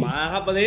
มาครับวันนี้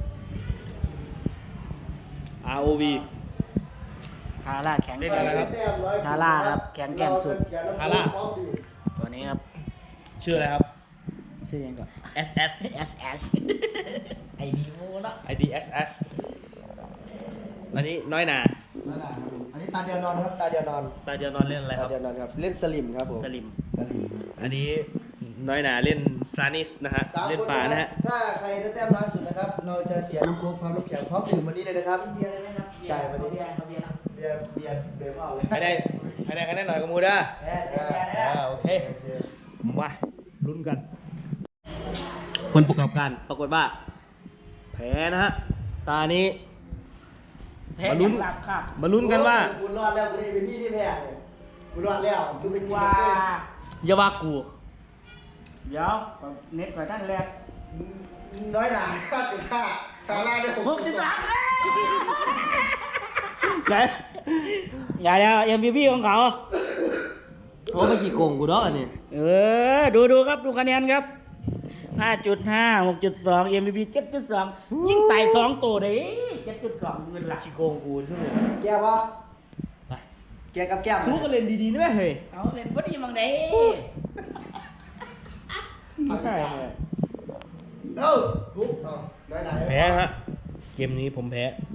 ROV ฮาร่าแข็งเล่นอะไรครับฮาร่าครับแข็งแกร่งสุดฮาร่าตัวนี้ครับชื่ออะไรครับชื่อยังก่อน SS SS ไอดีโมละ ID SS อันนี้น้อยนานั่นแหละครับผมอันนี้ตาเดียวนอนครับตาเดียวนอนตาเดียวนอนเล่นอะไรคตารับเดียวนอนครับเล่นสลิมครับผมสลิมสลิมอันนี้น้อยนาเล่นซานิสนะฮะ 3 เล่นป่านะฮะถ้าใครได้แต้มน้อยสุดนะครับเราจะเสียน้ำโค้กพร้อมน้ำแข็งพร้อมดื่มวันนี้เลยนะครับเบียร์เลยไหมครับจ่ายมาดิเบียร์ครับเบียร์ครับเบียร์พ่อเลยให้ได้หน่อยกับมูด้าเบียร์เบียร์เบียร์โอเค มาลุ้นกัน คนประกอบการปรากฏว่า แพ้นะฮะ ตานี้แพ้มาลุ้นหลับครับมาลุ้นกันว่ากูรอดแล้วกูได้เป็นพี่ที่แพ้เลยกูรอดแล้วกูไปกินว่าเต้อย่าว่ากูเดี๋ยวเน็ตก่อนท่านแรกน้อยหนา5.5ตาล่าได้ 6.3เลยไหนอย่าแล้ว MVP ของเขาโอ้ไม่กี่โกงกูเนาะอันนี้ดูครับดูคะแนนครับ 5.5 6.2 MVP 7.2 ยิ่งไต่2ตัวเลย7.2เงินหลักขี้โกงกูใช่ไหมแกวะไปแกกับแก้มสู้กันเล่นดีๆนะแม่เฮ้ยเอาเล่นบ่ดีมังเด้ใช่ทุกน้อยหนาแพ้ฮะ เกมนี้ผมแพ้